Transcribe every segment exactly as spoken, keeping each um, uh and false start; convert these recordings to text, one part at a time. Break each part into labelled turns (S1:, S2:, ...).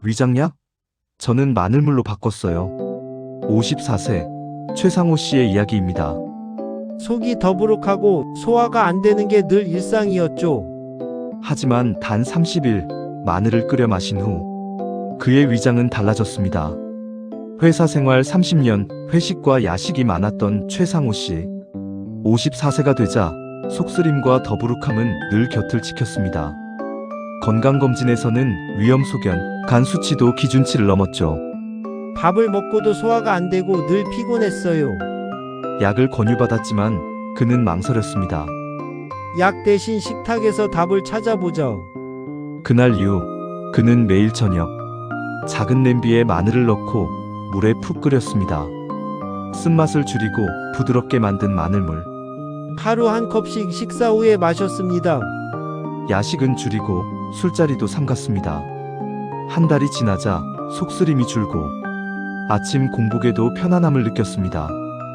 S1: 위장약? 저는 마늘물로 바꿨어요. 오십사 세 최상호 씨의 이야기입니다.
S2: 속이 더부룩하고 소화가 안 되는 게 늘 일상이었죠.
S1: 하지만 단 삼십 일 마늘을 끓여 마신 후 그의 위장은 달라졌습니다. 회사 생활 삼십 년, 회식과 야식이 많았던 최상호 씨. 오십사 세가 되자 속쓰림과 더부룩함은 늘 곁을 지켰습니다. 건강검진에서는 위험 소견, 간 수치도 기준치를 넘었죠.
S2: 밥을 먹고도 소화가 안 되고 늘 피곤했어요.
S1: 약을 권유받았지만 그는 망설였습니다.
S2: 약 대신 식탁에서 답을 찾아보자.
S1: 그날 이후 그는 매일 저녁 작은 냄비에 마늘을 넣고 물에 푹 끓였습니다. 쓴맛을 줄이고 부드럽게 만든 마늘물.
S2: 하루 한 컵씩 식사 후에 마셨습니다.
S1: 야식은 줄이고 술자리도 삼갔습니다. 한 달이 지나자 속쓰림이 줄고 아침 공복에도 편안함을 느꼈습니다.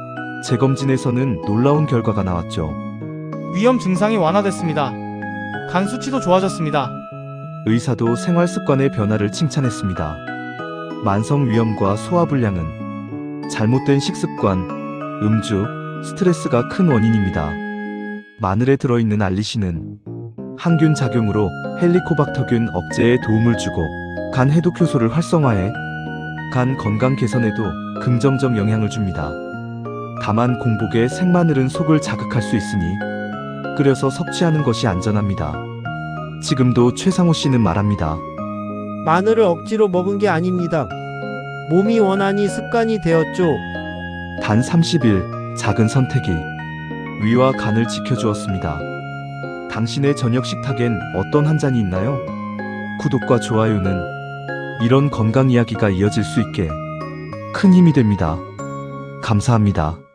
S1: 재검진에서는 놀라운 결과가 나왔죠.
S3: 위험 증상이 완화됐습니다. 간 수치도 좋아졌습니다.
S1: 의사도 생활 습관의 변화를 칭찬했습니다. 만성 위염과 소화불량은 잘못된 식습관, 음주, 스트레스가 큰 원인입니다. 마늘에 들어있는 알리신은 항균 작용으로 헬리코박터균 억제에 도움을 주고 간 해독 효소를 활성화해 간 건강 개선에도 긍정적 영향을 줍니다. 다만 공복에 생마늘은 속을 자극할 수 있으니 끓여서 섭취하는 것이 안전합니다. 지금도 최상호 씨는 말합니다.
S2: 마늘을 억지로 먹은 게 아닙니다. 몸이 원하니 습관이 되었죠.
S1: 단 삼십 일 작은 선택이 위와 간을 지켜주었습니다. 당신의 저녁 식탁엔 어떤 한 잔이 있나요? 구독과 좋아요는 이런 건강 이야기가 이어질 수 있게 큰 힘이 됩니다. 감사합니다.